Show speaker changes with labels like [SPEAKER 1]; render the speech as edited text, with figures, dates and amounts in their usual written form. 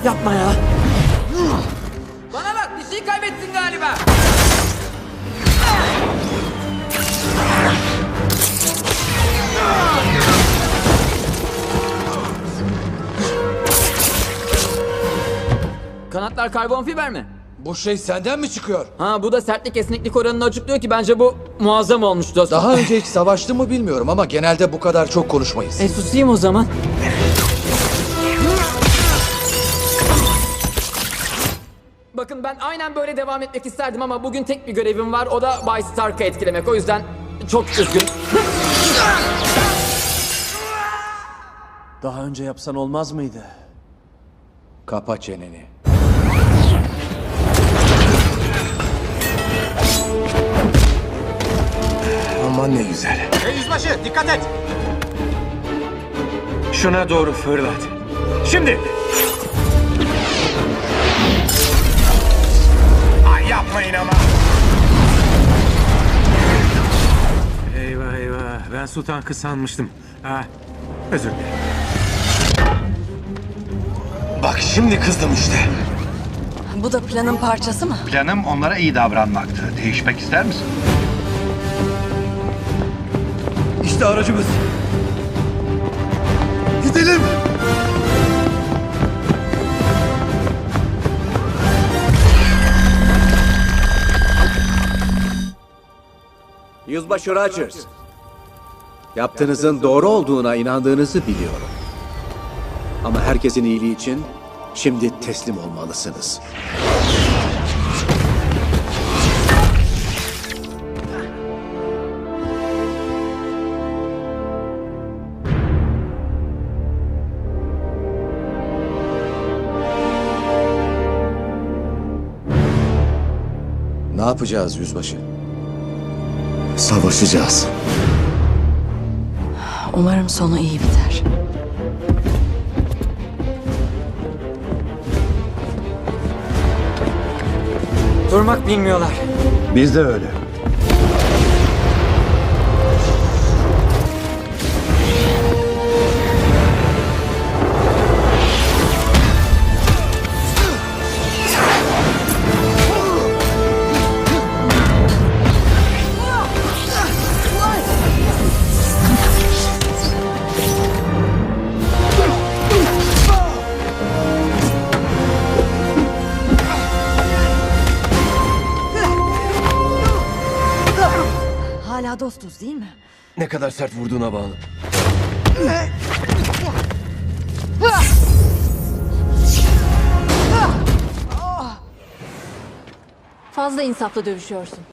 [SPEAKER 1] Yapma ya.
[SPEAKER 2] Bana bak, bir şey kaybettin galiba. Kanatlar karbon fiber mi?
[SPEAKER 3] Bu şey senden mi çıkıyor?
[SPEAKER 2] Ha, bu da sertlik esneklik oranını açıklıyor ki bence bu muazzam olmuş dostum.
[SPEAKER 3] Daha önce hiç savaştın mı bilmiyorum ama genelde bu kadar çok konuşmayız.
[SPEAKER 2] Susayım o zaman. Bakın, ben aynen böyle devam etmek isterdim ama bugün tek bir görevim var. O da Bay Stark'ı etkilemek. O yüzden çok üzgünüm.
[SPEAKER 1] Daha önce yapsan olmaz mıydı?
[SPEAKER 3] Kapa çeneni.
[SPEAKER 1] Aman ne güzel.
[SPEAKER 4] Hey yüzbaşı, dikkat et! Şuna doğru fırlat. Şimdi! Ay yapmayın ama! Eyvah eyvah, ben su tankı sanmıştım. Ha, özür dilerim.
[SPEAKER 5] Bak şimdi kızdım işte.
[SPEAKER 6] Bu da planın parçası mı?
[SPEAKER 5] Planım onlara iyi davranmaktı. Değişmek ister misin?
[SPEAKER 3] İşte aracımız. Gidelim.
[SPEAKER 7] Yüzbaşı Rogers. Yaptığınızın doğru olduğuna inandığınızı biliyorum. Ama herkesin iyiliği için şimdi teslim olmalısınız.
[SPEAKER 3] Ne yapacağız yüzbaşı?
[SPEAKER 7] Savaşacağız.
[SPEAKER 6] Umarım sonu iyi biter.
[SPEAKER 2] Durmak bilmiyorlar.
[SPEAKER 5] Biz de öyle.
[SPEAKER 6] Hala dostuz değil mi?
[SPEAKER 1] Ne kadar sert vurduğuna bağlı.
[SPEAKER 8] Fazla insaflı dövüşüyorsun.